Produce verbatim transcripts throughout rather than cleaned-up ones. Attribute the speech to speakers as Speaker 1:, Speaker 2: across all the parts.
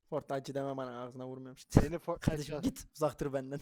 Speaker 1: Fortnite'cı demem bana ağzına vurmuyorum işte.
Speaker 2: Seni Fortnite
Speaker 1: Kardeşim git uzak dur benden.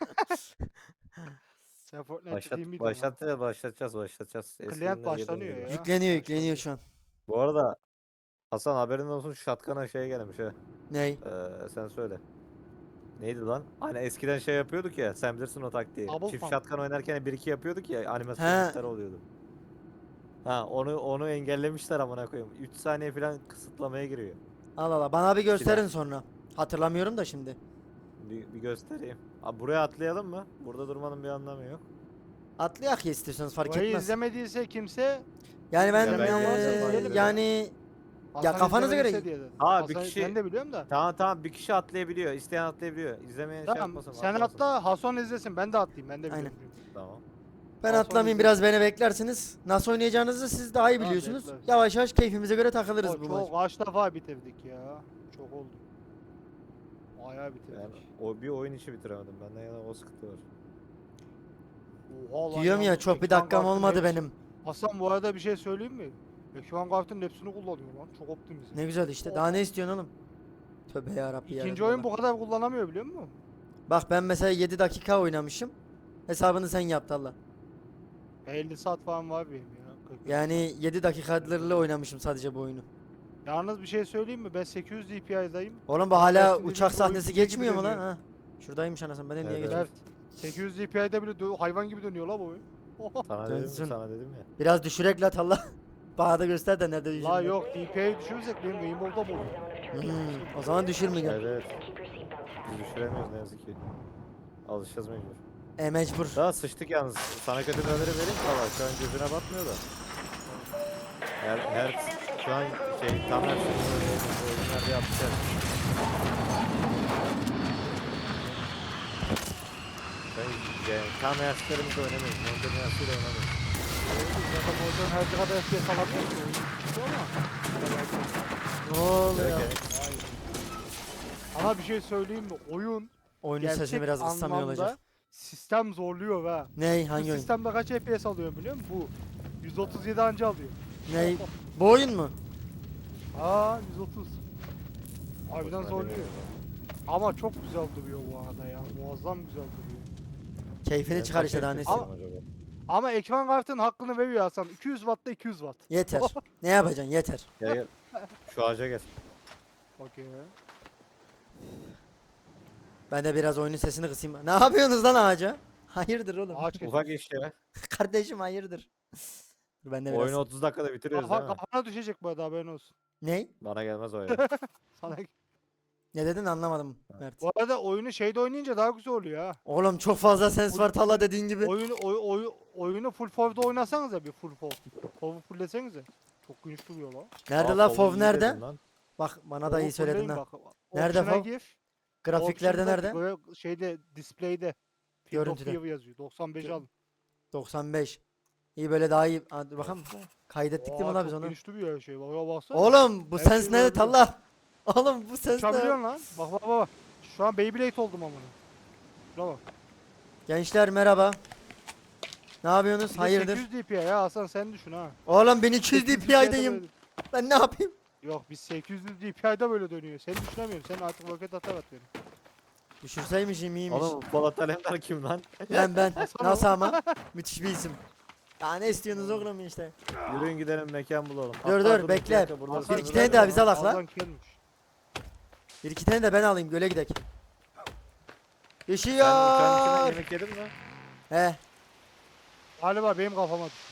Speaker 2: Sen Fortnite
Speaker 3: Başlat,
Speaker 2: değil miydin lan?
Speaker 3: başlatacağız, başlatacağız, başlatacağız. Eski
Speaker 2: Client
Speaker 3: günlere geri
Speaker 2: başlanıyor
Speaker 3: döneceğiz.
Speaker 2: ya.
Speaker 1: Yükleniyor
Speaker 2: Başladı.
Speaker 1: yükleniyor şu an.
Speaker 3: Bu arada Hasan haberin olsun, şatkana şey gelmiş ha.
Speaker 1: Ney?
Speaker 3: Ee, sen söyle. Neydi lan? Hani eskiden şey yapıyorduk ya, sen bilirsin o taktiği.
Speaker 2: Double
Speaker 3: Çift
Speaker 2: pump.
Speaker 3: şatkan oynarken bir iki yapıyorduk ya,
Speaker 1: He.
Speaker 3: animasyonlar oluyordu. Ha onu onu engellemişler amına koyayım. üç saniye falan kısıtlamaya giriyor.
Speaker 1: Allah Allah bana bir
Speaker 3: İkiden.
Speaker 1: gösterin sonra. Hatırlamıyorum da şimdi.
Speaker 3: Bir, bir göstereyim. Abi buraya atlayalım mı? Burada durmanın bir anlamı yok.
Speaker 1: Atlayak ya istiyorsanız fark
Speaker 2: Burayı
Speaker 1: etmez.
Speaker 2: izlemediyse kimse
Speaker 1: Yani ben
Speaker 3: Ya ben
Speaker 1: eee,
Speaker 3: izlemedim.
Speaker 1: yani
Speaker 2: Hasan
Speaker 1: kafanıza göre-
Speaker 2: izlemediyse diye dedim.
Speaker 3: Ha, bir
Speaker 2: Hasan-
Speaker 3: kişi-
Speaker 2: Ben de biliyorum da.
Speaker 3: Tamam tamam, bir kişi atlayabiliyor. İsteyen atlayabiliyor. İzlemeyen şey
Speaker 2: Tamam
Speaker 3: yapmasın.
Speaker 2: sen
Speaker 3: atlamasın.
Speaker 2: atla Hasan izlesin ben de atlayayım ben de
Speaker 1: Aynen.
Speaker 2: biliyorum. çünkü.
Speaker 3: Tamam.
Speaker 1: ben
Speaker 2: Hasan
Speaker 1: atlamayayım
Speaker 2: izle.
Speaker 1: biraz beni beklersiniz. Nasıl oynayacağınızı siz daha iyi
Speaker 2: Tamam,
Speaker 1: biliyorsunuz.
Speaker 2: bekleriz.
Speaker 1: Yavaş yavaş keyfimize göre takılırız
Speaker 2: O
Speaker 1: bu
Speaker 2: çok
Speaker 1: maç.
Speaker 2: kaç defa bitirdik ya. Çok oldu. Bayağı bitirdik.
Speaker 3: Yani o bir oyun içi bitiremedim. Benden yana o sıkıntı var.
Speaker 2: Oha lan
Speaker 1: Diyorum ya
Speaker 2: yalnız
Speaker 1: çok bir
Speaker 2: ekran
Speaker 1: dakikam
Speaker 2: kartının
Speaker 1: olmadı
Speaker 2: hepsi-
Speaker 1: benim.
Speaker 2: Hasan bu arada bir şey söyleyeyim mi? Ekran kartının hepsini kullanıyor lan. Çok optimize.
Speaker 1: Ne güzel işte. Daha ne istiyorsun oğlum? Tövbe yarabbi ya.
Speaker 2: İkinci oyun bu kadar kullanamıyor biliyor musun?
Speaker 1: Bak ben mesela yedi dakika oynamışım. Hesabını sen yaptı Allah.
Speaker 2: elli saat falan var benim ya. kırk.
Speaker 1: Yani yedi dakikalarla oynamışım sadece bu oyunu.
Speaker 2: Yalnız bir şey söyleyeyim mi? Ben sekiz yüz D P I'dayım.
Speaker 1: Oğlum bu hala
Speaker 2: Dersin dediğin
Speaker 1: uçak
Speaker 2: gibi
Speaker 1: sahnesi
Speaker 2: oyun gibi
Speaker 1: geçmiyor mu lan?
Speaker 2: dönüyor.
Speaker 1: Ha. Şuradaymış anasını ben de niye
Speaker 3: Evet,
Speaker 1: geçiyorum?
Speaker 2: Evet. sekiz yüz D P I'de bile dö- hayvan gibi dönüyor la bu oyun.
Speaker 3: Sana dedim mi?
Speaker 1: Dönsün.
Speaker 3: Sana dedim ya.
Speaker 1: Biraz düşürek la Allah. Bana da göster de nerede düşürmek.
Speaker 2: La yok D P I'yi düşürürsek benim Rainbow'da bu oluyor.
Speaker 1: Hmm, o zaman düşürmeyeceğim.
Speaker 3: Evet. Biz düşüremiyoruz ne yazık ki. Alışacağız mecbur.
Speaker 1: E mecbur.
Speaker 3: Daha sıçtık yalnız. Sana kötü bir haberi vereyim mi? Valla şu an gözüne batmıyor da. Her, her şu an şey tam her şey oyunlarda yapacağız. Ben yani tam yaşlarımızda oynamıyoruz. Modern yaşlarıyla oynamıyoruz.
Speaker 2: Zaten o yüzden her kadar F P S alamıyor ki oyun. Çıkıyor ama.
Speaker 1: Ne oluyor?
Speaker 3: Evet,
Speaker 2: Ama bir şey söyleyeyim mi? Oyun
Speaker 1: Oyunun sesini
Speaker 2: gerçek
Speaker 1: biraz ıslamıyor
Speaker 2: anlamda
Speaker 1: olacak.
Speaker 2: sistem zorluyor ha.
Speaker 1: Ney?
Speaker 2: Bu
Speaker 1: Hangi oyun?
Speaker 2: sistemde kaç F P S alıyor biliyor musun? Bu. yüz otuz yedi anca alıyor.
Speaker 1: Ney? Bu oyun mu?
Speaker 2: Aa yüz otuz. Harbiden
Speaker 3: Hoşuma
Speaker 2: zorluyor.
Speaker 3: gidiyor.
Speaker 2: Ama çok güzel duruyor bu arada ya. Muazzam güzel duruyor.
Speaker 1: Keyfini
Speaker 3: Ben
Speaker 1: çıkar
Speaker 3: kaç
Speaker 1: işte daha
Speaker 3: F P S
Speaker 1: nesi.
Speaker 2: Ama-
Speaker 3: acaba?
Speaker 2: Ama ekran kartının hakkını veriyor Hasan. iki yüz watt'ta iki yüz watt.
Speaker 1: Yeter. Ne yapacaksın? Yeter.
Speaker 3: Gel gel. Şu ağaca gel.
Speaker 2: Okey.
Speaker 1: Ben de biraz oyunun sesini kısayım. Ne yapıyorsunuz lan ağaca? Hayırdır oğlum?
Speaker 2: Ağaç kesin.
Speaker 3: Ufak iş ya.
Speaker 1: Kardeşim hayırdır. Dur ben de biraz.
Speaker 3: Oyunu otuz dakikada bitiriyoruz
Speaker 2: Kafa,
Speaker 3: değil mi?
Speaker 2: kafana düşecek bu arada haberin olsun.
Speaker 1: Ney?
Speaker 3: Bana gelmez o ya.
Speaker 2: Sana...
Speaker 1: Ne dedin anlamadım Mert.
Speaker 2: Bu arada oyunu şeyde oynayınca daha güzel oluyor ha.
Speaker 1: Oğlum çok fazla sens var Talla dediğin gibi.
Speaker 2: Oyunu oy, oy, oyunu full for'da oynasanız ya bir full for. For'u fulllesenize. Çok geniş duruyor lan.
Speaker 1: Nerede
Speaker 3: Aa,
Speaker 1: la
Speaker 3: Fov'u
Speaker 1: Fov
Speaker 3: iyi
Speaker 1: nerede?
Speaker 3: dedin lan.
Speaker 1: Bak bana da iyi
Speaker 2: For'u
Speaker 1: söyledin
Speaker 2: fullleyin
Speaker 1: ha.
Speaker 2: bak.
Speaker 1: Nerede
Speaker 2: Option'a
Speaker 1: Fov?
Speaker 2: gir.
Speaker 1: Grafiklerde
Speaker 2: Option'da
Speaker 1: nerede?
Speaker 2: böyle Şeyde display'de. Field of
Speaker 1: Görüntüde.
Speaker 2: View yazıyor. doksan beş
Speaker 1: Gö-
Speaker 2: alın.
Speaker 1: doksan beş. İyi böyle daha iyi. Hadi dur bakalım. Kaydettik değil mi
Speaker 2: Aa,
Speaker 1: la biz
Speaker 2: çok
Speaker 1: onu?
Speaker 2: geniş duruyor her şey. Bak ya baksana.
Speaker 1: Oğlum bu
Speaker 2: Her
Speaker 1: sens
Speaker 2: şeyi
Speaker 1: ne
Speaker 2: görebiliyorum.
Speaker 1: Talla? Oğlum bu sens ne?
Speaker 2: Uçabiliyorsun lan. Bak bak bak. Şu an Beyblade oldum amına. Şuna bak.
Speaker 1: Gençler merhaba. Ne yapıyorsunuz?
Speaker 2: Bir de
Speaker 1: Hayırdır?
Speaker 2: sekiz yüz D P I ya Hasan sen düşün ha.
Speaker 1: Oğlum ben iki yüz
Speaker 2: sekiz yüz
Speaker 1: DPI'deyim.
Speaker 2: böyle-
Speaker 1: Ben ne yapayım?
Speaker 2: Yok biz sekiz yüz D P I'de böyle dönüyor. Sen düşünemiyorsun. Sen artık roket atar at beni.
Speaker 1: Düşürseymişim iyiymiş.
Speaker 3: Oğlum Polat Alemdar kim lan?
Speaker 1: Ben ben.
Speaker 2: Hasan
Speaker 1: Nasıl ama? Müthiş bir isim. Ya ne istiyorsunuz oğlum işte.
Speaker 3: Yürüyün gidelim mekan bulalım.
Speaker 1: Dur,
Speaker 3: Hatta
Speaker 1: dur,
Speaker 3: bir
Speaker 1: bekle.
Speaker 3: dakika, burada
Speaker 2: Hasan
Speaker 1: Bir iki
Speaker 3: sınırlar
Speaker 1: tane daha
Speaker 3: var.
Speaker 1: bize alak la.
Speaker 2: Hasan gelmiş.
Speaker 1: Bir iki tane de ben alayım göle gidek.
Speaker 3: Sen uçağın içinden
Speaker 1: Düşüyor.
Speaker 3: yemek yedin mi?
Speaker 1: He.
Speaker 2: Galiba benim kafama düştü.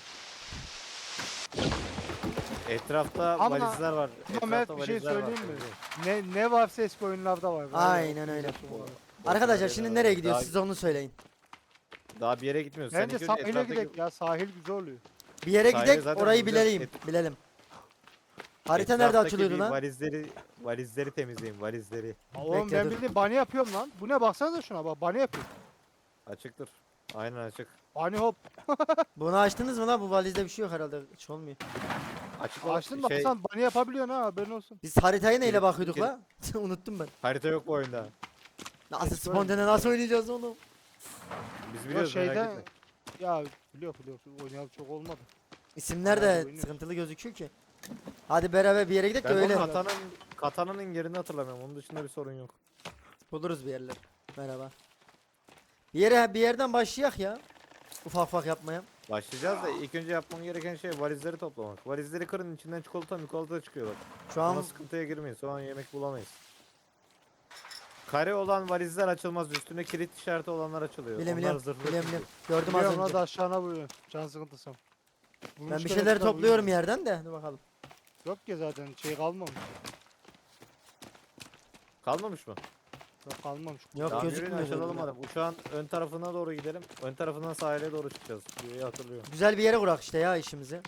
Speaker 3: Etrafta
Speaker 2: Ama-
Speaker 3: valizler var.
Speaker 2: Ama Mert
Speaker 3: Etrafta
Speaker 2: bir şey
Speaker 3: valizler var.
Speaker 2: söyleyeyim mi? Ne ne varsa eski oyunlarda var. Galiba.
Speaker 1: Aynen öyle.
Speaker 2: Var.
Speaker 1: Arkadaşlar şimdi nereye gidiyoruz
Speaker 3: Daha-
Speaker 1: siz onu söyleyin.
Speaker 3: Daha bir yere gitmiyoruz.
Speaker 2: Bence
Speaker 3: ilk önce
Speaker 2: sahile
Speaker 3: etraftaki-
Speaker 2: gidelim ya. Sahil güzel oluyor.
Speaker 1: Bir yere
Speaker 3: Sahile
Speaker 1: gidek
Speaker 3: zaten
Speaker 1: orayı
Speaker 3: bulacağız.
Speaker 1: bilelim.
Speaker 3: Et-
Speaker 1: Bilelim. Harita nerede
Speaker 3: etraftaki
Speaker 1: açılıyordu
Speaker 3: bir
Speaker 1: lan?
Speaker 3: Valizleri, valizleri temizleyin valizleri.
Speaker 2: Oğlum
Speaker 1: Bekle,
Speaker 2: ben
Speaker 1: dur.
Speaker 2: bildiğin bunny yapıyorum lan. Bu ne baksanıza şuna bak bunny yapıyorum.
Speaker 3: Açıktır. Aynen açık.
Speaker 2: Bunny hop.
Speaker 1: Bunu açtınız mı lan? Bu valizde bir şey yok herhalde. Hiç olmuyor.
Speaker 3: Açık olan
Speaker 2: Açtın bak
Speaker 3: şey,
Speaker 2: sen bunny yapabiliyorsun ha haberin olsun.
Speaker 1: Biz haritaya neyle
Speaker 3: Geri-
Speaker 1: bakıyorduk
Speaker 3: geri-
Speaker 1: la? Unuttum ben.
Speaker 3: harita yok bu oyunda.
Speaker 1: Nasıl
Speaker 2: Eski
Speaker 1: spontane nasıl oynayacağız oğlum?
Speaker 3: Biz
Speaker 2: Ya
Speaker 3: biliyoruz merak
Speaker 2: şeyden
Speaker 3: etme.
Speaker 2: ya biliyor biliyor oynayalı çok olmadı.
Speaker 1: İsimler
Speaker 2: Bayağı
Speaker 1: de
Speaker 2: oynuyoruz.
Speaker 1: sıkıntılı gözüküyor ki. Hadi beraber bir yere gidelim de
Speaker 3: Ben
Speaker 1: öyle
Speaker 3: o katanın, katanının yerini hatırlamıyorum. Onun dışında bir sorun yok.
Speaker 1: buluruz bir yerler. Merhaba. Bir yere bir yerden başlayak ya. Ufak ufak yapmaya.
Speaker 3: Başlayacağız da ilk önce yapmam gereken şey valizleri toplamak. Valizleri kırın, içinden çikolata mikolata çıkıyor bak.
Speaker 1: Şu an
Speaker 3: Sonra sıkıntıya girmeyin. Sonra yemek bulamayız. Kare olan valizler açılmaz. Üstüne kilit işareti olanlar açılıyor.
Speaker 1: Biliyorum
Speaker 3: Onlar
Speaker 1: biliyorum.
Speaker 3: zırhlı
Speaker 1: Biliyorum
Speaker 3: çünkü.
Speaker 1: biliyorum. Gördüm az
Speaker 2: Biliyorum
Speaker 1: önce.
Speaker 2: hadi aşağına buyurun. Can sıkıntısı.
Speaker 1: Ben bir şeyler topluyorum yerden de. Dur bakalım.
Speaker 2: Yok ki zaten şey kalmamış.
Speaker 3: Kalmamış mı?
Speaker 2: Yok kalmamış.
Speaker 1: Yok
Speaker 3: Tamam, yürüyün,
Speaker 1: gözükmüyor.
Speaker 3: açılalım
Speaker 1: dedim ya.
Speaker 3: madem. Uçağın ön tarafına doğru gidelim. Ön tarafından sahile doğru çıkacağız. Diye hatırlıyorum.
Speaker 1: Güzel bir yere kurak işte ya işimizi.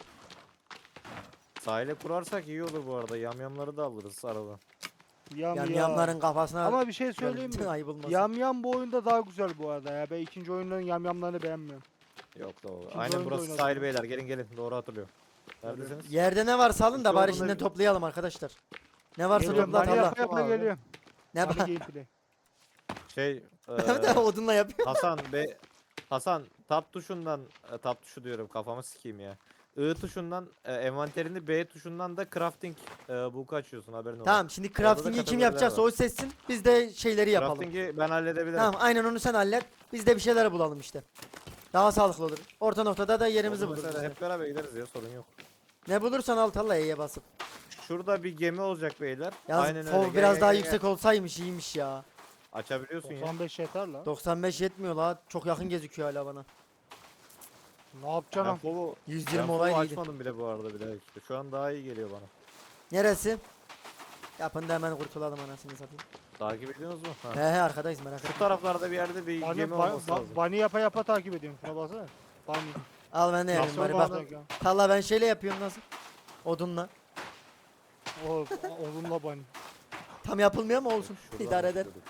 Speaker 3: Sahile kurarsak iyi olur bu arada. Yamyamları da alırız aradan.
Speaker 2: Yam
Speaker 1: Yani
Speaker 2: ya.
Speaker 1: yamların kafasına
Speaker 2: Ama bir şey söyleyeyim mi?
Speaker 1: ayıp olmasın.
Speaker 2: Yam yam bu oyunda daha güzel bu arada ya. Ben ikinci oyunların yam yamlarını beğenmiyorum.
Speaker 3: Yok da olur.
Speaker 2: İkinci
Speaker 3: Aynen
Speaker 2: oyunda
Speaker 3: burası
Speaker 2: oynadım.
Speaker 3: sahil beyler. Gelin gelin. Doğru hatırlıyorum. Neredesiniz?
Speaker 1: Yerde ne varsa alın da
Speaker 3: İki
Speaker 1: bari
Speaker 3: olduğuna
Speaker 1: şimdiden
Speaker 3: bir-
Speaker 1: toplayalım arkadaşlar. Ne varsa
Speaker 2: Geliyorum.
Speaker 1: topla
Speaker 2: Bani
Speaker 1: talla.
Speaker 2: yapa yapa
Speaker 3: Abi.
Speaker 2: geliyorum.
Speaker 1: Ne
Speaker 2: Bani
Speaker 1: var?
Speaker 2: gameplay.
Speaker 3: Şey
Speaker 1: de
Speaker 3: eee,
Speaker 1: odunla yapıyor.
Speaker 3: Hasan be Hasan tab tuşundan e, tab tuşu diyorum kafamı sikeyim ya. I tuşundan e, envanterini B tuşundan da crafting e, book'u açıyorsun haberin olsun.
Speaker 1: Tamam şimdi
Speaker 3: da
Speaker 1: crafting'i kim
Speaker 3: kategoriler
Speaker 1: yapacaksa
Speaker 3: var.
Speaker 1: o seçsin. Biz de şeyleri yapalım.
Speaker 3: Crafting'i ben halledebilirim.
Speaker 1: Tamam aynen onu sen hallet. Biz de bir şeyler bulalım işte. Daha sağlıklı olur. Orta noktada da yerimizi
Speaker 3: Onu
Speaker 1: buluruz.
Speaker 3: mesela
Speaker 1: işte.
Speaker 3: hep beraber gideriz ya sorun yok.
Speaker 1: Ne bulursan al talla E'ye basıp.
Speaker 3: Şurada bir gemi olacak beyler.
Speaker 1: Yalnız
Speaker 3: Aynen
Speaker 1: fov
Speaker 3: öyle. Gel,
Speaker 1: biraz
Speaker 3: gel,
Speaker 1: daha
Speaker 3: gel,
Speaker 1: yüksek olsaymış iyiymiş ya.
Speaker 3: gel. Açabiliyorsun ya.
Speaker 2: doksan beş yeter la.
Speaker 1: doksan beş yetmiyor la. Çok yakın gözüküyor hala bana.
Speaker 2: Ne yapacaksın?
Speaker 3: Ben
Speaker 2: lan?
Speaker 3: fovu
Speaker 1: yüz
Speaker 3: ben
Speaker 1: yirmi
Speaker 3: fovu
Speaker 1: olaydı. iyiydi.
Speaker 3: açmadım bile bu arada bile. İşte şu an daha iyi geliyor bana.
Speaker 1: Neresi? Yapın da hemen kurtulalım anasını satayım.
Speaker 3: Takip ediyorsunuz mu? Ha.
Speaker 1: He he arkadayız merak
Speaker 3: Şu
Speaker 1: etme.
Speaker 3: taraflarda bir yerde bir
Speaker 2: Bani,
Speaker 3: gemi
Speaker 2: ba,
Speaker 3: olması
Speaker 2: ba,
Speaker 3: lazım.
Speaker 2: Bani yapa yapa takip ediyorum. Şuna baksana. Bani.
Speaker 1: Al ben de yapayım
Speaker 2: Nasıl
Speaker 1: bari
Speaker 2: olmaz
Speaker 1: bak.
Speaker 2: ya?
Speaker 1: Talla ben şeyle yapıyorum nasıl? Odunla.
Speaker 2: O, oğlumla Bani.
Speaker 1: Tam yapılmıyor mu olsun?
Speaker 3: Şuradan
Speaker 1: İdare eder.
Speaker 3: başlıyorduk.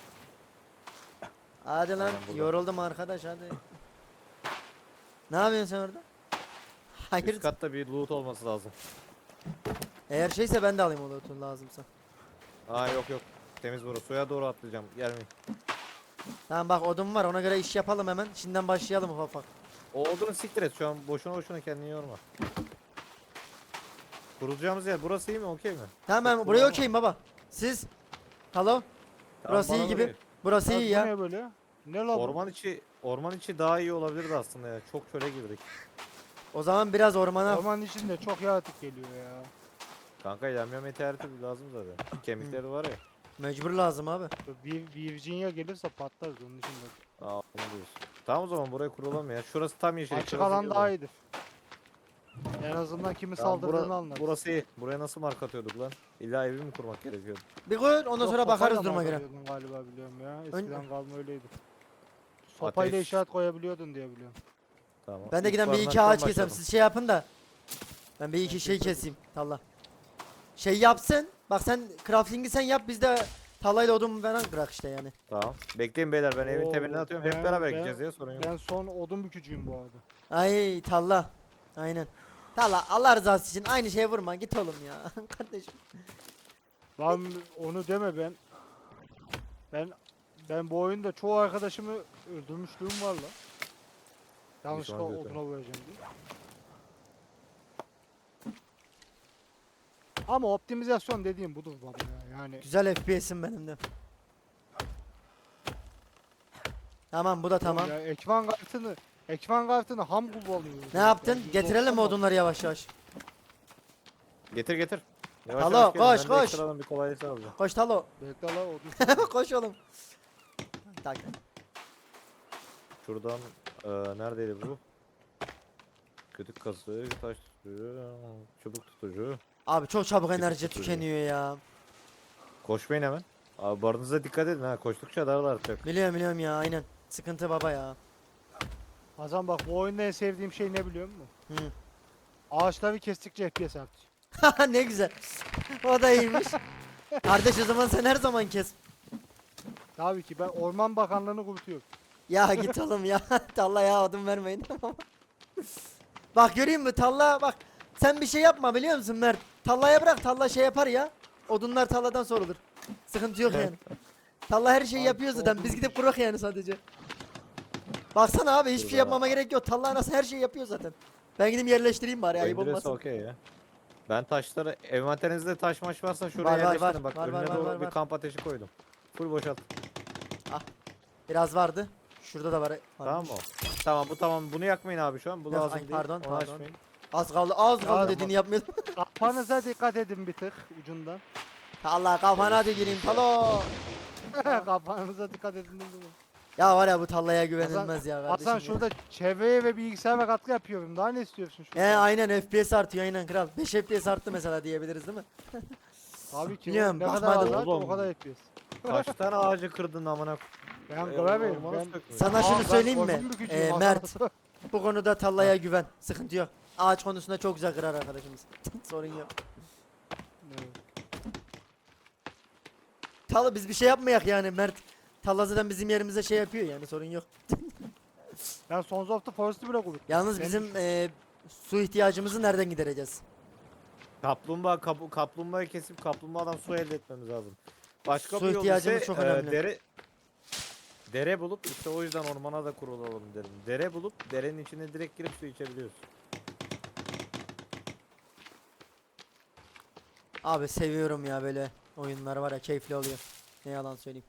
Speaker 1: Hadi lan
Speaker 3: Aynen burada.
Speaker 1: yoruldum arkadaş hadi. Ne yapıyorsun sen orada? Hayır.
Speaker 3: Üst katta bir loot olması lazım.
Speaker 1: Eğer şeyse ben de alayım o loot'un lazımsa.
Speaker 3: Aa yok yok. Temiz burası. Suya doğru atlayacağım. Gelmeyin.
Speaker 1: Tamam bak odun var ona göre iş yapalım hemen. Şimdiden başlayalım ufak ufak.
Speaker 3: O odunu siktir et. Şu an boşuna boşuna kendini yorma. Kurulacağımız yer burası iyi mi? Okey mi?
Speaker 1: Tamam ben
Speaker 3: Çok
Speaker 1: buraya
Speaker 3: kullanma.
Speaker 1: okeyim baba. Siz? Halo?
Speaker 3: Tamam,
Speaker 1: Burası iyi
Speaker 3: bana
Speaker 1: gibi.
Speaker 3: göre.
Speaker 1: Burası
Speaker 2: Ya
Speaker 1: iyi
Speaker 2: bu
Speaker 1: ya.
Speaker 2: Ne böyle? Ne la bu?
Speaker 3: Orman içi orman içi daha iyi olabilirdi aslında ya. Çok çöle girdik.
Speaker 1: O zaman biraz ormana.
Speaker 2: Ormanın içinde çok yaratık geliyor ya.
Speaker 3: Kanka yamyam meteoriti lazım zaten. Kemikleri var ya.
Speaker 1: Mecbur lazım abi.
Speaker 2: Bir Virginia gelirse patlarız onun için de.
Speaker 3: Aa onu diyorsun. Tamam o zaman buraya kuralım ya. Şurası tam yeşil.
Speaker 2: Açık
Speaker 3: şurası
Speaker 2: alan
Speaker 3: iyi
Speaker 2: daha
Speaker 3: olur.
Speaker 2: iyidir. En azından kimi
Speaker 3: Tamam,
Speaker 2: saldırdığını
Speaker 3: bura-
Speaker 2: anlarız.
Speaker 3: burası iyi. Buraya nasıl mark atıyorduk lan? İlla evi mi kurmak gerekiyordu?
Speaker 1: Bir koy ondan
Speaker 2: Yok,
Speaker 1: sonra bakarız
Speaker 2: sopayla
Speaker 1: duruma göre.
Speaker 2: markalıyordun galiba biliyorum ya.
Speaker 1: Ön-
Speaker 2: Eskiden kalma öyleydi. Sopayla
Speaker 3: Ateş.
Speaker 2: işaret koyabiliyordun diye biliyorum.
Speaker 3: Tamam.
Speaker 1: Ben de
Speaker 3: İlk
Speaker 1: giden bir iki
Speaker 3: barınaktan
Speaker 1: ağaç kesem.
Speaker 3: başladım.
Speaker 1: Siz şey yapın da. Ben bir iki şey keseyim. Talla. Şey yapsın. Bak sen crafting'i sen yap biz de tallayla odun falan bırak işte yani.
Speaker 3: Tamam. Bekleyin beyler ben evin
Speaker 2: Oo,
Speaker 3: temeline atıyorum.
Speaker 2: ben-
Speaker 3: Hep beraber
Speaker 2: ben-
Speaker 3: gideceğiz ya sorun yok.
Speaker 2: Ben son odun bükücüyüm bu arada.
Speaker 1: Ay talla. Aynen. Talla Allah rızası için aynı şeye vurma git oğlum ya. Kardeşim.
Speaker 2: Lan onu deme ben. Ben ben bu oyunda çoğu arkadaşımı öldürmüşlüğüm var la. Yanlışlıkla
Speaker 3: Düşman götü.
Speaker 2: oduna vuracağım diye. Ama optimizasyon dediğim budur baba ya. Yani
Speaker 1: Güzel F P S'im benim de. Tamam bu da tamam.
Speaker 2: ya ekran kartını ekran kartını ham kullanıyoruz.
Speaker 1: Ne
Speaker 2: ya.
Speaker 1: yaptın?
Speaker 2: Yani
Speaker 1: Getirelim mi
Speaker 2: %doksan
Speaker 1: odunları yavaş yavaş?
Speaker 3: Getir getir. Yavaş
Speaker 1: Alo,
Speaker 3: yavaş gelin,
Speaker 1: koş,
Speaker 3: ben de
Speaker 1: koş.
Speaker 3: ekstradan bir kolaylık alacağım.
Speaker 1: Koş Talo.
Speaker 2: Bekle la odun.
Speaker 1: Koş oğlum. Tak.
Speaker 3: Şuradan eee neredeydi bu? Kütük kazı, taş tutucu, çubuk tutucu.
Speaker 1: Abi çok çabuk enerji
Speaker 3: tutuyor.
Speaker 1: tükeniyor ya.
Speaker 3: Koşmayın hemen. Abi barınıza dikkat edin ha. Koştukça darlar artacak.
Speaker 1: Biliyorum biliyorum ya aynen. Sıkıntı baba ya.
Speaker 2: Hasan bak bu oyunda en sevdiğim şey ne biliyor musun?
Speaker 1: Hı.
Speaker 2: Ağaçları kestikçe F P S artıyor.
Speaker 1: Ne güzel. O da iyiymiş. Kardeş o zaman sen her zaman kes.
Speaker 2: Tabii ki ben Orman Bakanlığı'nı kurutuyorum.
Speaker 1: Ya git oğlum ya. Talla ya odun vermeyin tamam. Bak göreyim mi Talla bak. Sen bir şey yapma biliyor musun Mert? Talla'ya bırak Talla şey yapar ya. Odunlar Talla'dan sorulur. Sıkıntı yok yani. Talla her şeyi
Speaker 2: Abi,
Speaker 1: yapıyor zaten. Biz gidip kurak yani sadece. Baksana abi hiçbir
Speaker 3: Dur
Speaker 1: şey
Speaker 3: bana.
Speaker 1: yapmama gerek yok. Talla nasıl her şeyi yapıyor zaten. Ben gidip yerleştireyim bari ayıp
Speaker 3: Öndüresi
Speaker 1: olmasın.
Speaker 3: okey ya. Ben taşları envanterinizde taş maş varsa şuraya
Speaker 1: Var, var,
Speaker 3: yerleştirin.
Speaker 1: var.
Speaker 3: Bak
Speaker 1: Var, var,
Speaker 3: önüne
Speaker 1: var,
Speaker 3: doğru
Speaker 1: var,
Speaker 3: bir
Speaker 1: var.
Speaker 3: kamp ateşi koydum. Full boşalt.
Speaker 1: Biraz vardı. Şurada da var.
Speaker 3: Tamam
Speaker 1: varmış.
Speaker 3: mı? o? Tamam bu tamam. Bunu yakmayın abi şu an. Bu
Speaker 1: Yok,
Speaker 3: lazım
Speaker 1: ay,
Speaker 3: değil.
Speaker 1: pardon,
Speaker 3: Onu
Speaker 1: pardon.
Speaker 3: açmayın.
Speaker 1: Az kaldı, az
Speaker 2: Ya,
Speaker 1: kaldı
Speaker 2: ama-
Speaker 1: dediğini yapmıyordum.
Speaker 2: Kafanıza dikkat edin bir tık ucundan.
Speaker 1: Allah kafana hadi gireyim talo.
Speaker 2: Kafanıza dikkat edin dedim.
Speaker 1: Ya var ya bu tallaya
Speaker 2: Hasan,
Speaker 1: güvenilmez ya kardeşim.
Speaker 2: Hasan
Speaker 1: ya.
Speaker 2: şurada çevreye ve bilgisayara katkı yapıyorum. Daha ne istiyorsun
Speaker 1: He
Speaker 2: şurada?
Speaker 1: aynen F P S artıyor aynen kral. beş F P S arttı mesela diyebiliriz değil mi?
Speaker 2: Tabii ki.
Speaker 1: Biliyorum,
Speaker 2: Ne kadar
Speaker 1: bakmadım.
Speaker 2: azalt o
Speaker 3: Oğlum.
Speaker 2: kadar yapıyoruz.
Speaker 3: Kaç tane ağacı kırdın amına koyayım?
Speaker 2: Ben
Speaker 3: Ee,
Speaker 2: göremiyorum.
Speaker 3: ormanı
Speaker 2: Ben...
Speaker 3: sökmüş.
Speaker 1: Sana
Speaker 2: Aa,
Speaker 1: şunu
Speaker 2: ben
Speaker 1: söyleyeyim mi?
Speaker 2: orman bükücüyüm
Speaker 1: Ee,
Speaker 2: Hasan.
Speaker 1: Mert. Bu konuda tallaya güven. Sıkıntı yok. Ağaç konusunda çok güzel kırar arkadaşımız. Sorun yok.
Speaker 2: Evet.
Speaker 1: Talı biz bir şey yapmayak yani Mert. Talla zaten bizim yerimize şey yapıyor yani sorun yok.
Speaker 2: Ben Sons of the Forest'ı bile kurdum.
Speaker 1: Yalnız
Speaker 2: Benim
Speaker 1: bizim e, su ihtiyacımızı nereden gidereceğiz?
Speaker 3: Kaplumbağa kapu, kaplumbağayı kesip kaplumbağadan su elde etmemiz lazım. Başka
Speaker 1: Su
Speaker 3: bir yol
Speaker 1: ihtiyacımız
Speaker 3: ise
Speaker 1: çok
Speaker 3: e,
Speaker 1: önemli.
Speaker 3: dere dere bulup işte o yüzden ormana da kurulalım dedim. Dere bulup derenin içine direkt girip su içebiliyoruz.
Speaker 1: Abi seviyorum ya böyle oyunlar var ya keyifli oluyor. Ne yalan söyleyeyim.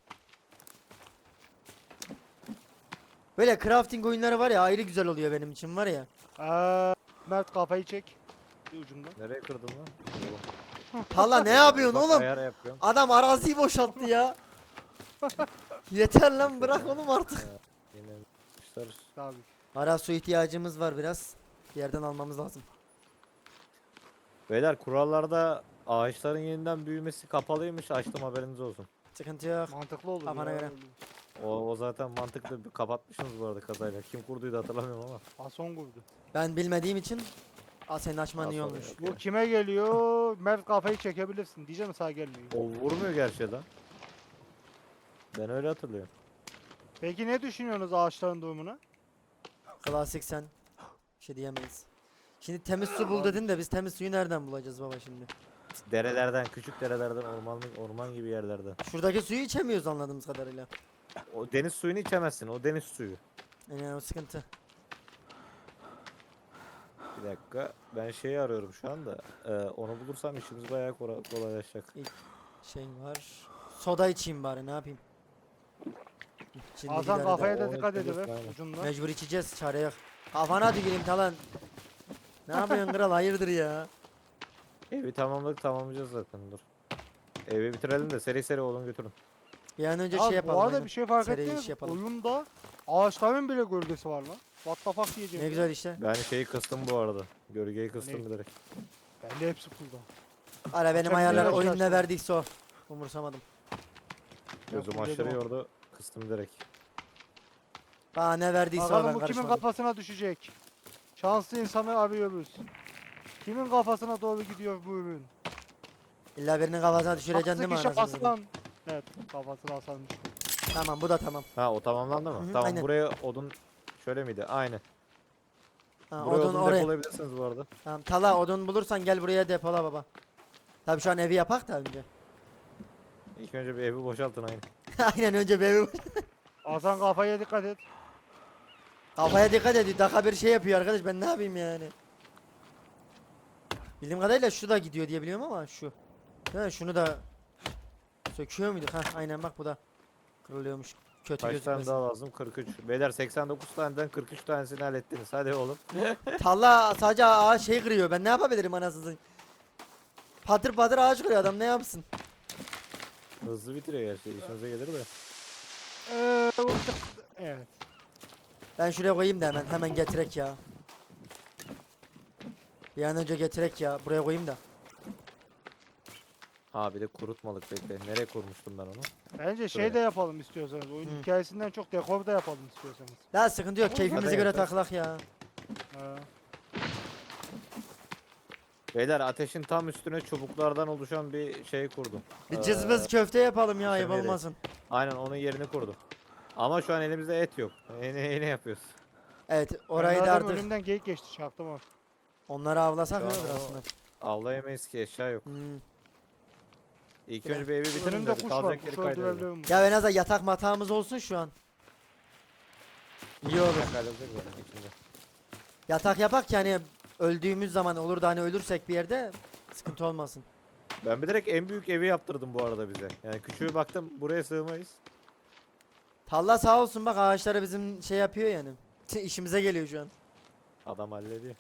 Speaker 1: Böyle crafting oyunları var ya ayrı güzel oluyor benim için var ya.
Speaker 2: Ee, Mert kafayı çek. Bir ucundan.
Speaker 3: Nereye kırdın lan?
Speaker 1: Talla ne yapıyorsun
Speaker 3: Bak,
Speaker 1: oğlum?
Speaker 3: ayar yapıyorum.
Speaker 1: Adam araziyi boşalttı ya. Yeter lan bırak oğlum artık.
Speaker 3: Yine kuşlar.
Speaker 2: Tabii.
Speaker 1: Ara su ihtiyacımız var biraz. Bir yerden almamız lazım.
Speaker 3: Beyler kurallarda ağaçların yeniden büyümesi kapalıymış. Açtım haberiniz olsun.
Speaker 1: Sıkıntı yok.
Speaker 2: Mantıklı olur
Speaker 1: Kafana
Speaker 2: ya.
Speaker 1: göre.
Speaker 3: O, o zaten mantıklı. Bir kapatmışsınız bu arada kazayla. Kim kurduydu hatırlamıyorum ama.
Speaker 2: Hasan kurdu.
Speaker 1: Ben bilmediğim için Aa, senin açman iyi
Speaker 3: Hasan
Speaker 1: olmuş.
Speaker 3: yok.
Speaker 2: Bu kime geliyor? Mert kafayı çekebilirsin. Diyeceğim sağ gelmiyor.
Speaker 3: O vurmuyor gerçi lan. Ben öyle hatırlıyorum.
Speaker 2: Peki ne düşünüyorsunuz ağaçların durumuna?
Speaker 1: Klasik sen. Bir şey diyemeyiz. Şimdi temiz su bul dedin de biz temiz suyu nereden bulacağız baba şimdi?
Speaker 3: Derelerden, küçük derelerden, ormanlık orman gibi yerlerden.
Speaker 1: Şuradaki suyu içemiyoruz anladığımız kadarıyla.
Speaker 3: O deniz suyunu içemezsin. O deniz suyu.
Speaker 1: Yani o sıkıntı.
Speaker 3: Bir dakika. Ben şeyi arıyorum şu anda. Ee, onu bulursam işimiz bayağı kora- kolaylaşacak.
Speaker 1: Şey var. Soda içeyim bari ne yapayım? Şimdi
Speaker 2: Hasan
Speaker 1: gider eder.
Speaker 2: kafaya da
Speaker 3: O
Speaker 2: dikkat
Speaker 3: etkileşim,
Speaker 2: ediver
Speaker 3: aynen.
Speaker 2: ucundan.
Speaker 1: Mecbur içeceğiz çare yok. Kafana tüküreyim talan. Ne yapıyorsun kral hayırdır ya?
Speaker 3: Evi tamamladık tamamlayacağız zaten dur. Evi bitirelim de seri seri olun götürün.
Speaker 1: Bir an önce
Speaker 2: Ya
Speaker 1: şey yapalım.
Speaker 2: bu arada
Speaker 1: aynen.
Speaker 2: bir şey fark
Speaker 1: Seri
Speaker 2: ettiniz
Speaker 1: iş
Speaker 2: mi?
Speaker 1: yapalım.
Speaker 2: Oyunda ağaçların bile gölgesi var lan. What the fuck diyeceğim.
Speaker 1: Ne güzel işte.
Speaker 3: Ben şeyi kıstım bu arada. Gölgeyi kıstım
Speaker 2: Ne?
Speaker 3: bilerek.
Speaker 2: Bende hepsi kulda.
Speaker 1: Ara benim
Speaker 2: Çok
Speaker 1: ayarlar
Speaker 2: güzel
Speaker 1: oyun ne
Speaker 2: başlarsın.
Speaker 1: verdiyse o. Umursamadım.
Speaker 3: Gözüm
Speaker 2: full
Speaker 3: aşırı
Speaker 2: dedim o.
Speaker 3: yordu. Kıstım bilerek.
Speaker 1: Bana ne verdiyse o ben
Speaker 2: Bakalım bu kimin
Speaker 1: karışmadım.
Speaker 2: kafasına düşecek. Şanslı insanı arıyoruz. Kimin kafasına doğru gidiyor bu ürün?
Speaker 1: İlla birinin kafasına düşüreceksin değil mi
Speaker 2: Şanslı kişi
Speaker 1: anasını satayım?
Speaker 2: Hasan. Evet kafasına Hasan düştü.
Speaker 1: Tamam bu da tamam.
Speaker 3: Ha o tamamlandı mı?
Speaker 1: Hı hı,
Speaker 3: Tamam
Speaker 1: aynen.
Speaker 3: buraya odun şöyle miydi? Aynı.
Speaker 1: Ha,
Speaker 3: Buraya
Speaker 1: odun
Speaker 3: odun,
Speaker 1: oraya.
Speaker 3: depolayabilirsiniz bu arada.
Speaker 1: Tamam tala odun bulursan gel buraya depola baba. Tabii şu an evi yapak da önce.
Speaker 3: İlk önce bir evi boşaltın aynı.
Speaker 1: Aynen önce bir evi.
Speaker 2: Hasan kafaya dikkat et.
Speaker 1: Kafaya dikkat edin. Dakika bir şey yapıyor arkadaş ben ne yapayım yani. Bildiğim kadarıyla şu da gidiyor diye biliyorum ama şu. Değil mi? Şunu da söküyor muyduk? Ha aynen bak bu da kırılıyormuş. Kötü
Speaker 3: Kaç tane
Speaker 1: gözükmesin.
Speaker 3: daha lazım? kırk üç. Beyler seksen dokuz taneden kırk üç tanesini hallettiniz. Hadi oğlum.
Speaker 1: Talla sadece ağaç şey kırıyor. Ben ne yapabilirim anasını satayım? Patır patır ağaç kırıyor adam ne yapsın?
Speaker 3: Hızlı bitiriyor gerçi. İşinize gelir de.
Speaker 2: Ee, bu- evet.
Speaker 1: Ben şuraya koyayım da hemen hemen getirek ya. Bir an önce getirek ya. Buraya koyayım da.
Speaker 3: Ha bir de kurutmalık bekle. Nereye kurmuştum ben onu?
Speaker 2: Bence şey
Speaker 3: Şöyle.
Speaker 2: de yapalım istiyorsanız. Oyun
Speaker 1: Hı.
Speaker 2: hikayesinden çok dekor da yapalım istiyorsanız.
Speaker 1: Daha sıkıntı yok.
Speaker 3: Oğlum,
Speaker 1: Keyfimize
Speaker 3: zaten
Speaker 1: göre
Speaker 3: yaparız.
Speaker 1: takılak ya.
Speaker 2: Ha.
Speaker 3: Beyler ateşin tam üstüne çubuklardan oluşan bir şey kurdum.
Speaker 1: Bir
Speaker 3: Ee,
Speaker 1: cızbız köfte yapalım ya ayıp
Speaker 3: pişirmeyi de-
Speaker 1: olmasın.
Speaker 3: Aynen onun yerini kurdum. Ama şu an elimizde et yok. Ne, ne yapıyoruz?
Speaker 1: Evet
Speaker 2: Ben
Speaker 1: orayı da
Speaker 2: zaten
Speaker 1: artık
Speaker 2: önümden geyik geçti çaktım o.
Speaker 1: onları avlasak
Speaker 3: Şu an
Speaker 1: olur
Speaker 3: o-
Speaker 1: aslında.
Speaker 3: Avlayamayız ki eşya yok.
Speaker 1: Hmm.
Speaker 3: İlk
Speaker 1: Biraz-
Speaker 3: önce bir evi bitirin
Speaker 2: Önümde
Speaker 3: de
Speaker 2: kuş var.
Speaker 3: kalacak yeri
Speaker 2: Kuş
Speaker 3: kaydıralım.
Speaker 2: öldürebilirim.
Speaker 1: Ya en azından yatak matağımız olsun şu an. İyi olur.
Speaker 3: Kaydıracak zaten içinde.
Speaker 1: Yatak yapak ki hani öldüğümüz zaman olur da hani ölürsek bir yerde Sıkıntı olmasın.
Speaker 3: Ben bir direkt en büyük evi yaptırdım bu arada bize. Yani küçüğü baktım buraya sığmayız.
Speaker 1: Talla sağ olsun bak ağaçları bizim şey yapıyor yani. İşimize geliyor şu an.
Speaker 3: Adam hallediyor.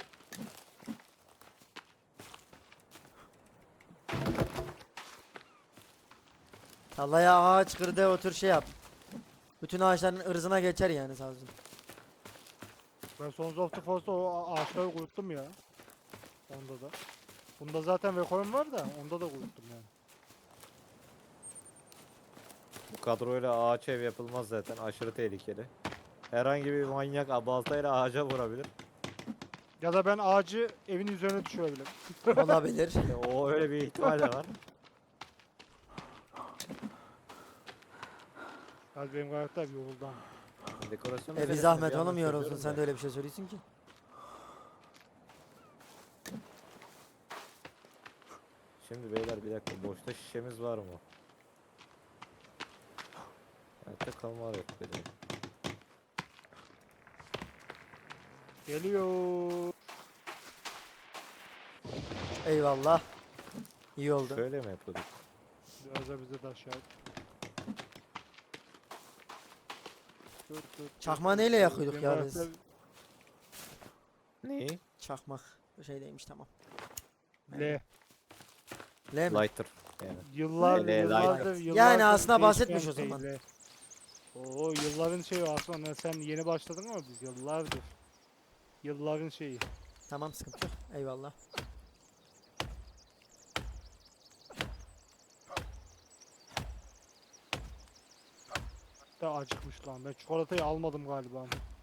Speaker 1: Tallaya ağaç kırdı otur şey yap. Bütün ağaçların ırzına geçer yani sağ olsun.
Speaker 2: Ben Sons of the Force'da o a- ağaçları kuruttum ya. Onda da. Bunda zaten Vekoyun var da onda da kuruttum yani.
Speaker 3: Bu kadroyla ağaç ev yapılmaz zaten. Aşırı tehlikeli. Herhangi bir manyak baltayla ağaca vurabilir.
Speaker 2: Ya da ben ağacı evin üzerine düşürebilirim.
Speaker 1: Olabilir.
Speaker 3: E, o öyle bir ihtimal de var.
Speaker 2: Az benim karakter bir yoruldu ama.
Speaker 3: Dekorasyon
Speaker 1: E bir
Speaker 3: meselesini
Speaker 1: zahmet
Speaker 3: bir yandan
Speaker 1: oğlum yorulsun
Speaker 3: çözüyorum
Speaker 1: sen
Speaker 3: da.
Speaker 1: de öyle bir şey söylüyorsun ki.
Speaker 3: Şimdi beyler bir dakika boşta şişemiz var mı? Hayatta kalma var yok dedi.
Speaker 2: Geliyor.
Speaker 1: Eyvallah. İyi oldu.
Speaker 3: Şöyle mi yapıyorduk?
Speaker 2: Biraz da bize de aşağı. Dur, dur, dur,
Speaker 1: Çakmağı
Speaker 2: dur,
Speaker 1: neyle
Speaker 2: dur.
Speaker 1: yakıyorduk
Speaker 2: Benim
Speaker 1: ya biz?
Speaker 2: karakter-
Speaker 3: Neyi?
Speaker 1: Çakmak. Bu şeydeymiş tamam.
Speaker 2: L.
Speaker 1: L mi?
Speaker 3: Lighter. Yani.
Speaker 2: Yıllar,
Speaker 3: L,
Speaker 2: yıllardır,
Speaker 3: light.
Speaker 2: yıllardır
Speaker 1: Yani aslında
Speaker 2: değişmeyen
Speaker 1: bahsetmiş o
Speaker 2: şey
Speaker 1: zaman.
Speaker 2: L. Oo yılların şeyi aslında sen yeni başladın ama biz yıllardır. Yılların şeyi.
Speaker 1: Tamam sıkıntı yok. Eyvallah.
Speaker 2: Da acıkmış lan. Ben çikolatayı almadım galiba.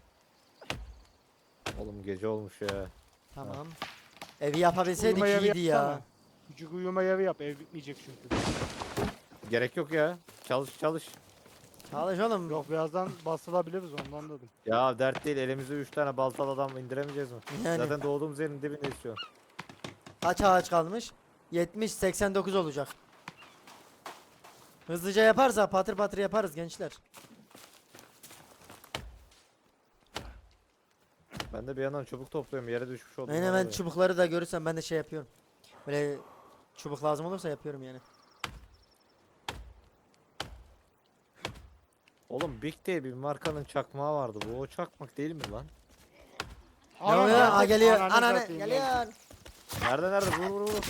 Speaker 3: Oğlum gece olmuş ya.
Speaker 1: Tamam. Evi yapabilseydik
Speaker 2: Uyuma yeri
Speaker 1: iyiydi ya.
Speaker 2: yapsana. Küçük uyuma yeri yap. Ev bitmeyecek çünkü.
Speaker 3: Gerek yok ya. Çalış çalış.
Speaker 1: Çalış oğlum.
Speaker 2: Yok birazdan basılabiliriz ondan dedim.
Speaker 3: Ya dert değil elimize üç tane baltalı adam indiremeyeceğiz mi?
Speaker 1: Yani
Speaker 3: Zaten doğduğumuz yerin dibindeyiz şu an.
Speaker 1: kaç ağaç kalmış? yetmiş seksen dokuz olacak. Hızlıca yaparsa patır patır yaparız gençler.
Speaker 3: Ben de bir yandan çubuk topluyorum yere düşmüş oldum.
Speaker 1: Aynen ben çubukları da görürsem ben de şey yapıyorum. Böyle çubuk lazım olursa yapıyorum yani.
Speaker 3: Oğlum Big diye bir markanın çakmağı vardı. Bu o çakmak değil mi lan?
Speaker 1: Ne oluyor? Aa geliyor.
Speaker 2: Ananı
Speaker 1: Ananı
Speaker 2: satayım ya.
Speaker 1: geliyor.
Speaker 3: Nerede nerede? Vur vur vur.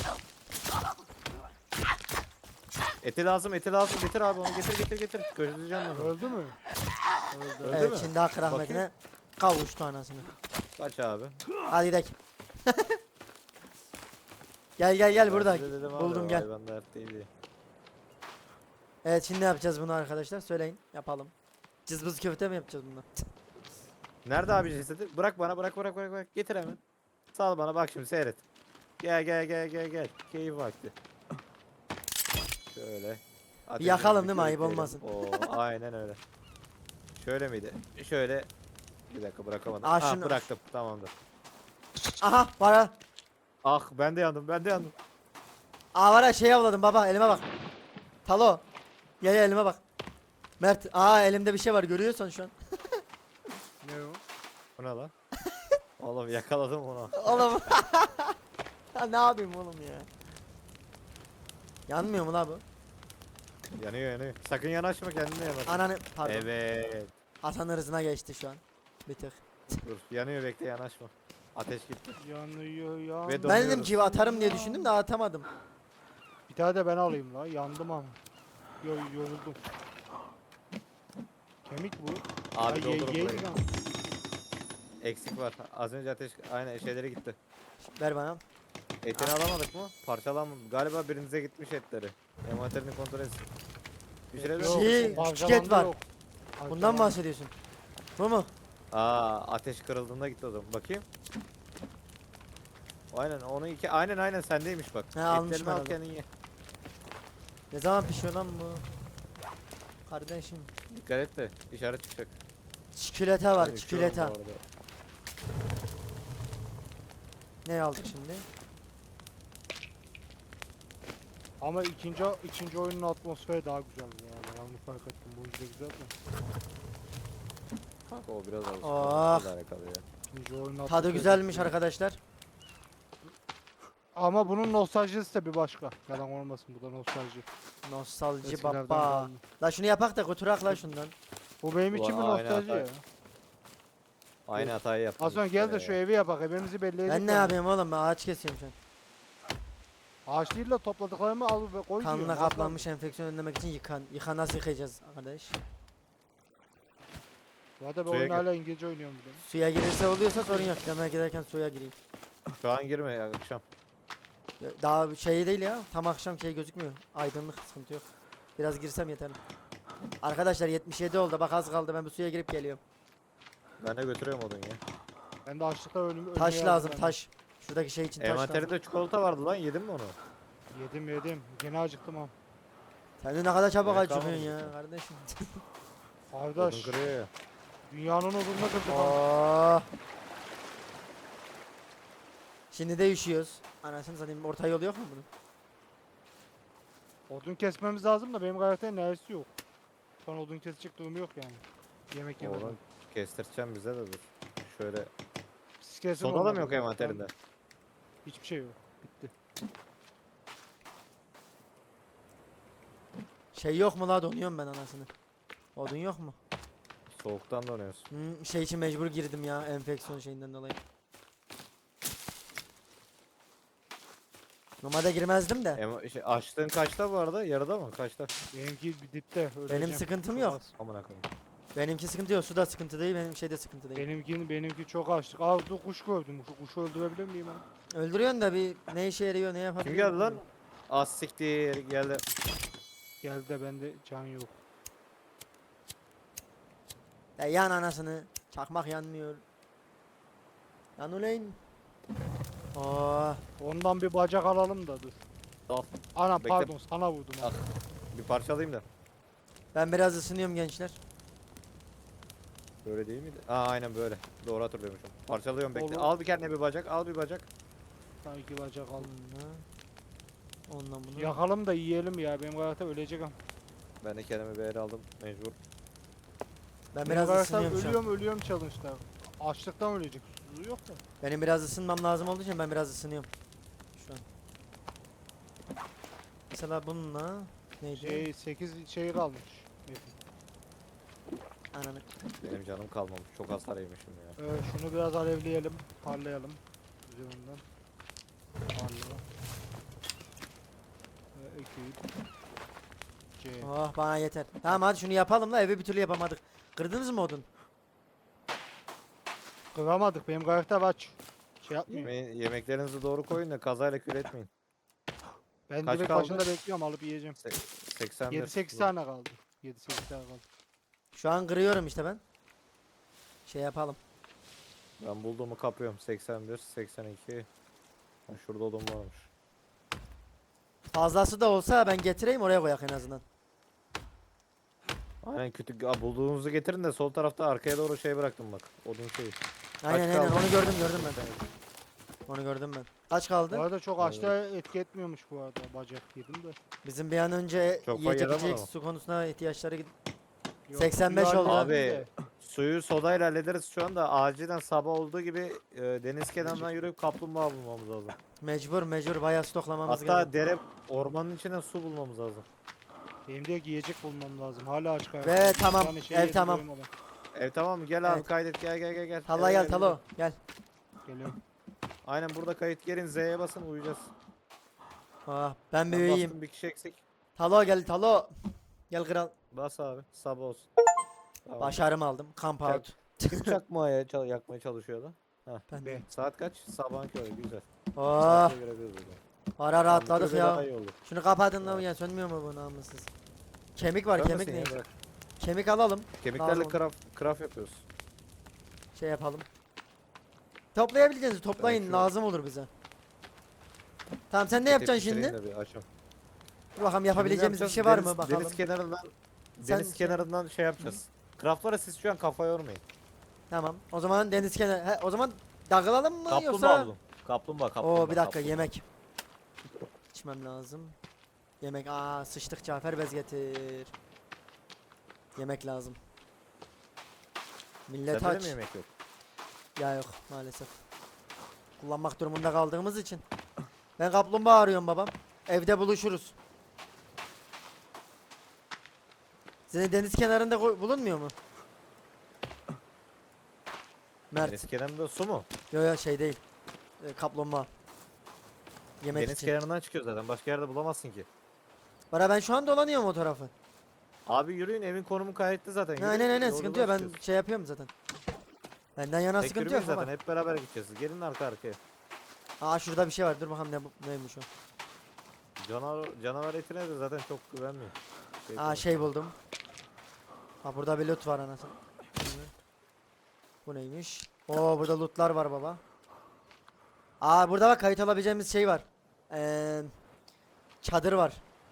Speaker 3: Eti lazım eti lazım. Getir abi onu getir getir getir. Gözleyeceğim onu.
Speaker 2: Öldü mü? Öldü.
Speaker 3: Öldü
Speaker 1: Evet
Speaker 3: mü?
Speaker 1: şimdi hak rahmetine kavuştu anasını.
Speaker 3: Kaç abi?
Speaker 1: Hadi gidelim. Gel gel gel
Speaker 3: Ben
Speaker 1: burada.
Speaker 3: size dedim abi,
Speaker 1: Buldum
Speaker 3: o
Speaker 1: gel.
Speaker 3: hayvan dert değil diye.
Speaker 1: Evet şimdi ne yapacağız bunu arkadaşlar? Söyleyin. Yapalım. Cızbız köfte mi yapacağız bundan?
Speaker 3: Nerede abi cesedi? Bırak bana bırak bırak bırak bırak. Getir hemen. Sal bana bak şimdi seyret. Gel gel gel gel gel. Keyif vakti. Şöyle. Ateşimizi
Speaker 1: yakalım değil mi? Ayıp
Speaker 3: körükleyelim.
Speaker 1: olmasın.
Speaker 3: Oo aynen öyle. Şöyle miydi? Şöyle. Bir dakika bırakamadım.
Speaker 1: Aa,
Speaker 3: ah
Speaker 1: şunu-
Speaker 3: bıraktım tamamdır.
Speaker 1: Aha para.
Speaker 3: Ah ben de yandım ben de yandım.
Speaker 1: Aa var ya şey avladım baba elime bak. Talo. Gel gel elime bak. Mert aa elimde bir şey var görüyorsan şu an.
Speaker 2: Ne o?
Speaker 3: Bu ne lan? Oğlum yakaladım onu.
Speaker 1: Oğlum. Ya ne yapayım oğlum ya. Yanmıyor mu la bu?
Speaker 3: Yanıyor yanıyor. Sakın yanaşma kendine yanaş.
Speaker 1: Ananı pardon.
Speaker 3: Evet.
Speaker 1: Hasan hırzına geçti şu an. Bir tık.
Speaker 3: Dur yanıyor bekle yanaşma. Ateş gitti.
Speaker 2: Yanıyor yanıyor.
Speaker 3: Ve
Speaker 1: Ben dedim
Speaker 3: donuyoruz.
Speaker 1: ki atarım diye düşündüm de atamadım.
Speaker 2: Bir tane de ben alayım la. Yandım ama. Yo yoruldum. Kemik bu.
Speaker 3: Abi
Speaker 2: Ya, ye-
Speaker 3: doldur
Speaker 2: ye-
Speaker 3: burayı.
Speaker 2: lan.
Speaker 3: Eksik var. Az önce ateş aynen şeyleri gitti.
Speaker 1: Ver bana.
Speaker 3: Etini alamadık mı? Parçalanmadı. Galiba birinize gitmiş etleri. Envanterini kontrol etsin. Pişirelim.
Speaker 2: Yok,
Speaker 1: Şey,
Speaker 2: parçalandı
Speaker 1: küçük et var.
Speaker 2: yok.
Speaker 1: Bundan
Speaker 2: Parçalandı.
Speaker 1: bahsediyorsun. Bu mu?
Speaker 3: Aa ateş kırıldığında gitti o zaman. Bakayım. Aynen onu iki aynen aynen sendeymiş bak.
Speaker 1: He, almışım
Speaker 3: Etlerini al
Speaker 1: herhalde.
Speaker 3: kendin ye.
Speaker 1: Ne zaman pişiyor lan bu? Kardeşim.
Speaker 3: Dikkat et de işaret çıkacak.
Speaker 1: Çikolata var
Speaker 3: Ben
Speaker 1: çikolata.
Speaker 3: üşüyorum bu arada.
Speaker 1: Ne aldık şimdi?
Speaker 2: Ama ikinci ikinci oyunun atmosferi daha güzel yani. Ben onu fark ettim. Bu yüzden güzel mi?
Speaker 3: Kanka o biraz alışkanlıkla
Speaker 1: Oh.
Speaker 3: alakalı ya.
Speaker 2: İkinci oyunun
Speaker 1: Tadı
Speaker 2: atmosferi
Speaker 1: güzelmiş
Speaker 2: çok iyi.
Speaker 1: arkadaşlar.
Speaker 2: Ama bunun nostaljisi de bir başka. Yalan olmasın, bu da nostalji.
Speaker 1: Nostalji
Speaker 2: Eskilerden
Speaker 1: baba.
Speaker 2: kalma.
Speaker 1: La şunu yapak da götürak la şundan.
Speaker 2: Bu benim için bir
Speaker 3: Ulan aynı
Speaker 2: nostalji
Speaker 3: hata-
Speaker 2: ya.
Speaker 3: Aynı hatayı yaptım.
Speaker 2: Hasan
Speaker 3: iki
Speaker 2: gel
Speaker 3: kere
Speaker 2: de şu
Speaker 3: ya.
Speaker 2: evi yapak, evimizi belli edelim.
Speaker 1: Ben ne yapayım oğlum, ben ağaç kesiyorum şu an.
Speaker 2: Ağaç değil de topladıklarımı al ve koy
Speaker 1: Kanla
Speaker 2: diyorum.
Speaker 1: kaplanmış enfeksiyon önlemek için yıkan. Yıkan nasıl yıkayacağız arkadaş?
Speaker 2: Ya da ben
Speaker 3: Suya
Speaker 2: oyunu
Speaker 3: gir.
Speaker 2: hala İngilizce oynuyorum bir de.
Speaker 1: Suya girirse oluyorsa sorun yok. Demek giderken suya gireyim.
Speaker 3: Şu an girme ya akşam.
Speaker 1: Ya daha şey değil ya. Tam akşam şey gözükmüyor. Aydınlık, sıkıntı yok. Biraz girsem yeterli. Arkadaşlar yetmiş yedi oldu. Bak az kaldı. Ben bu suya girip geliyorum.
Speaker 3: Ben de götürüyorum odun ya.
Speaker 2: Ben de açlıktan ölüm
Speaker 1: Taş
Speaker 2: ölmeye
Speaker 1: lazım,
Speaker 2: hazırlanıyorum.
Speaker 1: taş. Şuradaki şey için taş lazım.
Speaker 3: Envanterinde çikolata vardı lan, yedin mi onu?
Speaker 2: Yedim yedim. Gene acıktım ha.
Speaker 1: Sen de ne kadar çabuk
Speaker 3: Yemek
Speaker 1: acıkıyorsun
Speaker 3: kalmadı
Speaker 1: ya
Speaker 3: zaten.
Speaker 1: kardeşim.
Speaker 3: Odun
Speaker 2: Kardeş,
Speaker 3: kırıyor ya.
Speaker 2: dünyanın odununa kırdık ha.
Speaker 1: Oh. Şimdi de üşüyoruz. Anasını satayım, orta yolu yok mu bunun?
Speaker 2: Odun kesmemiz lazım da benim karakterin neresi yok. Şu an odun kesecek durumu yok yani. Yemek yemeden.
Speaker 3: Oğlum kestireceğim bize de dur. Şöyle.
Speaker 2: Siz kesin
Speaker 3: Soda da
Speaker 2: onları.
Speaker 3: mı yok envanterinde?
Speaker 2: Hiçbir şey yok. Bitti.
Speaker 1: Şey yok mu la, donuyorum ben anasını. Odun yok mu?
Speaker 3: Soğuktan donuyorsun.
Speaker 1: Hmm, şey için mecbur girdim ya, enfeksiyon şeyinden dolayı. Normalde girmezdim de.
Speaker 3: Ema, şey, açlığın kaçta bu arada? Yarıda mı? Kaçta?
Speaker 2: Benimki bir dipte. öleceğim.
Speaker 1: sıkıntım
Speaker 2: Çok
Speaker 1: yok.
Speaker 2: az.
Speaker 3: Amına koyayım.
Speaker 1: Benimki sıkıntı yok, su da sıkıntı değil, benim şeyde sıkıntı değil.
Speaker 2: Benimki, benimki çok açlık. Aa dur kuş gördüm. Şu kuşu öldürebilir miyim ben?
Speaker 1: Öldürüyorsun da bir ne işe yarıyor, ne yapabiliyor?
Speaker 3: Kim geldi lan? Az siktir geldi.
Speaker 2: Geldi de bende can yok.
Speaker 1: Ya yan anasını. Çakmak yanmıyor. Yan uleyn. Oh.
Speaker 2: Ondan bir bacak alalım da dur.
Speaker 3: Al.
Speaker 2: Ana
Speaker 3: Bekle.
Speaker 2: pardon sana vurdum.
Speaker 3: Al.
Speaker 2: ha.
Speaker 3: Bir parçalayayım da.
Speaker 1: Ben biraz ısınıyorum gençler.
Speaker 3: Böyle değil miydi? Aa aynen böyle. Doğru hatırlıyormuşum. Parçalıyorum bekle.
Speaker 2: Olur.
Speaker 3: Al bir kendine bir bacak. Al bir bacak.
Speaker 2: Sana iki bacak aldım.
Speaker 1: Onunla. Ondan bunu.
Speaker 2: Yakalım da yiyelim ya. Benim karakter ölecek ama.
Speaker 3: Ben de kendime bir el aldım. Mecbur.
Speaker 1: Ben
Speaker 2: Benim
Speaker 1: biraz
Speaker 2: karakter
Speaker 1: ısınıyorum şu an.
Speaker 2: ölüyorum ölüyorum challenge'da. Açlıktan ölecek. Susuzluğu yok da.
Speaker 1: Benim biraz ısınmam lazım olduğu için ben biraz ısınıyorum. Şu an. Mesela bununla neydi?
Speaker 2: Şey sekiz şey kalmış.
Speaker 1: Ananı.
Speaker 3: Benim canım kalmamış. Çok hasar yemişim ya.
Speaker 2: Ee, şunu biraz alevleyelim. Parlayalım. Üzerinden. Parla. Ve ekip. C.
Speaker 1: Oh bana yeter. Tamam hadi şunu yapalım da evi bir türlü yapamadık. Kırdınız mı odun?
Speaker 2: Kıramadık. Benim karakter aç. Şey yapmıyor.
Speaker 3: Yemeği- yemeklerinizi doğru koyun da kazayla kül etmeyin.
Speaker 2: Ben
Speaker 3: Kaç
Speaker 2: direkt
Speaker 3: kaldı?
Speaker 2: başında bekliyorum alıp yiyeceğim.
Speaker 3: Se- seksen bir.
Speaker 2: yedi sekiz tane kaldı. yedi sekiz tane kaldı.
Speaker 1: Şu an kırıyorum işte ben. Şey yapalım.
Speaker 3: Ben bulduğumu kapıyorum. seksen bir, seksen iki. Ha, şurada odun varmış.
Speaker 1: Fazlası da olsa ben getireyim, oraya koyak en azından.
Speaker 3: Aynen kötü. Aa, bulduğunuzu getirin de sol tarafta arkaya doğru şey bıraktım bak. Odun şeyi.
Speaker 1: Aynen aynen,
Speaker 3: kaldı?
Speaker 1: onu gördüm gördüm ben. Onu gördüm ben. Kaç
Speaker 2: Bu
Speaker 1: kaldı?
Speaker 2: arada çok
Speaker 3: Evet.
Speaker 2: açta etki etmiyormuş bu arada. Bacak yedim de.
Speaker 1: Bizim bir an önce
Speaker 3: Çok
Speaker 1: yiyecek
Speaker 3: yaramadı
Speaker 1: içecek
Speaker 3: ama.
Speaker 1: su konusuna ihtiyaçları gid-
Speaker 2: Yok,
Speaker 1: seksen beş
Speaker 2: suyu
Speaker 1: oldu.
Speaker 2: hallettim
Speaker 3: Abi,
Speaker 2: de.
Speaker 3: Suyu sodayla hallederiz şu anda. Acilen sabah olduğu gibi e, deniz kenarından yürüyüp kaplumbağa bulmamız lazım.
Speaker 1: Mecbur mecbur bayağı stoklamamız
Speaker 3: Hatta
Speaker 1: gerekiyor.
Speaker 3: dere ormanın içinden su bulmamız lazım.
Speaker 2: Benim de yiyecek bulmam lazım. Hala aç karakter.
Speaker 1: Ve
Speaker 2: Bir
Speaker 1: tamam,
Speaker 2: tane şey
Speaker 1: ev
Speaker 2: yedim,
Speaker 1: tamam.
Speaker 2: doymadım.
Speaker 3: E tamam gel abi
Speaker 1: Evet.
Speaker 3: kaydet gel gel gel gel.
Speaker 1: Talla
Speaker 3: Gel,
Speaker 1: gel Talo gel.
Speaker 2: Geliyorum.
Speaker 3: Aynen burada kayıt gelin Z'ye basın uyuyacağız.
Speaker 1: Ah, ben bir
Speaker 3: Ben
Speaker 1: uyuyayım.
Speaker 3: bastım bir kişi eksik.
Speaker 1: Talo gel Talo. Gel kral.
Speaker 3: Bas abi sabah olsun. Tamam.
Speaker 1: Başarım aldım. Camp
Speaker 3: Çak.
Speaker 1: out.
Speaker 3: Kim çakmaya çal yakmaya çalışıyordu?
Speaker 1: Ben
Speaker 2: Be.
Speaker 3: Saat kaç? Sabahın körü güzel.
Speaker 1: Oh,
Speaker 3: Saate görebiliriz o zaman.
Speaker 1: ara rahatladık
Speaker 3: Böyle daha
Speaker 1: ya.
Speaker 3: iyi olur.
Speaker 1: Şunu kapatın lan
Speaker 3: Evet.
Speaker 1: ya, sönmüyor mu bu namussuz? Kemik var,
Speaker 3: Görmesin
Speaker 1: kemik
Speaker 3: ya,
Speaker 1: ne?
Speaker 3: bırak.
Speaker 1: Kemik alalım.
Speaker 3: Kemiklerle
Speaker 1: Lazım.
Speaker 3: craft, craft yapıyoruz.
Speaker 1: Şey yapalım. Toplayabileceğinizi toplayın,
Speaker 3: şu-
Speaker 1: lazım olur bize. Tamam sen ne yapacaksın şimdi?
Speaker 3: Bitireyim de bir açayım.
Speaker 1: Dur bakalım,
Speaker 3: Şimdi
Speaker 1: yapabileceğimiz bir
Speaker 3: yapacağız?
Speaker 1: şey var
Speaker 3: Deniz-
Speaker 1: mı bakalım.
Speaker 3: Deniz kenarından
Speaker 1: Sen
Speaker 3: deniz
Speaker 1: şey-
Speaker 3: kenarından şey yapacağız. Craftlara siz şu an kafa yormayın.
Speaker 1: Tamam. O zaman deniz kenarı. He, o zaman dağılalım mı
Speaker 3: Kaplumbağa
Speaker 1: yoksa?
Speaker 3: bulun. Kaplumbağa kaplumbağa.
Speaker 1: Oo bir dakika,
Speaker 3: kaplumbağa.
Speaker 1: yemek. İçmem lazım. Yemek. Aa sıçtık, Cafer bez getir. Yemek lazım. Millet
Speaker 3: Sende de
Speaker 1: aç.
Speaker 3: mi yemek yok?
Speaker 1: Ya yok maalesef. Kullanmak durumunda kaldığımız için. Ben kaplumbağa arıyorum babam. Evde buluşuruz. Senin deniz kenarında koy- bulunmuyor mu? Mert.
Speaker 3: Deniz kenarında su mu?
Speaker 1: Yo yo şey değil. E, kaplumbağa. Yemek
Speaker 3: Deniz
Speaker 1: için.
Speaker 3: kenarından çıkıyor zaten. Başka yerde bulamazsın ki.
Speaker 1: Bana ben şu an dolanıyorum o tarafı.
Speaker 3: Abi yürüyün, evin konumu kayıtlı zaten.
Speaker 1: Ha,
Speaker 3: Yürüyün,
Speaker 1: aynen aynen
Speaker 3: yolda
Speaker 1: sıkıntı yok, ben
Speaker 3: çıkıyoruz.
Speaker 1: şey yapıyorum zaten. Benden yana
Speaker 3: Tek
Speaker 1: sıkıntı yok
Speaker 3: yürümeyiz
Speaker 1: baba.
Speaker 3: zaten, hep beraber gideceğiz. Gelin arka arkaya.
Speaker 1: Aa şurada bir şey var, dur bakalım ne bu- neymiş o.
Speaker 3: Canavar, canavar etine de zaten çok güvenmiyor. Şey
Speaker 1: Aa
Speaker 3: falan.
Speaker 1: şey buldum. Ha burada bir loot var anasını. Bu neymiş? Oo burada lootlar var baba. Aa burada bak kayıt alabileceğimiz şey var. Ee, çadır var.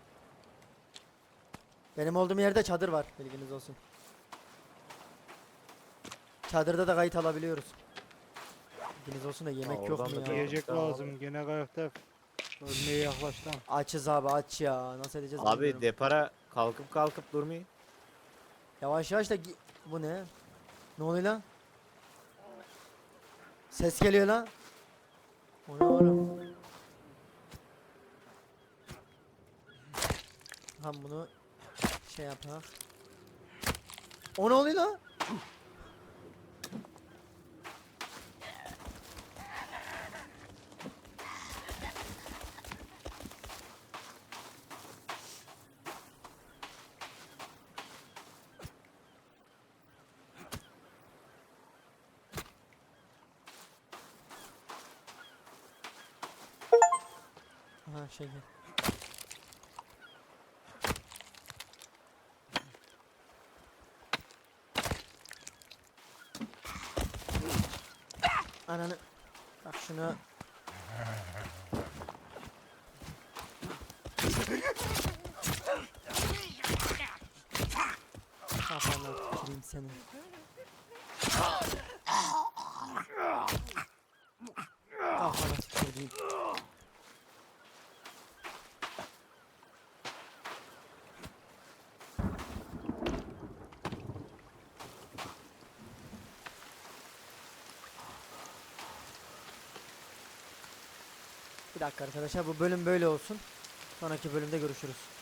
Speaker 1: Benim olduğum yerde çadır var, bilginiz olsun. Çadırda da kayıt alabiliyoruz. Bilginiz olsun da yemek
Speaker 3: Ha,
Speaker 1: yok
Speaker 3: oradan
Speaker 1: mu
Speaker 3: da
Speaker 1: ya?
Speaker 3: bir-
Speaker 2: Yiyecek
Speaker 3: Tamam.
Speaker 2: lazım. Gene kayıkta ölmeye yaklaştım.
Speaker 1: Açız abi, aç ya. Nasıl edeceğiz
Speaker 3: Abi
Speaker 1: bilmiyorum.
Speaker 3: depara kalkıp kalkıp durmayın.
Speaker 1: Yavaş yavaş da gi- bu ne? Ne oluyor lan? Ses geliyor lan. O ne oğlum? Tamam bunu şey yapalım. O ne oluyor lan? Ha şey. Ananı. Bak şunu. Kafana tüküreyim seni. Kafana tüküreyim. Bir dakika arkadaşlar, bu bölüm böyle olsun. Sonraki bölümde görüşürüz.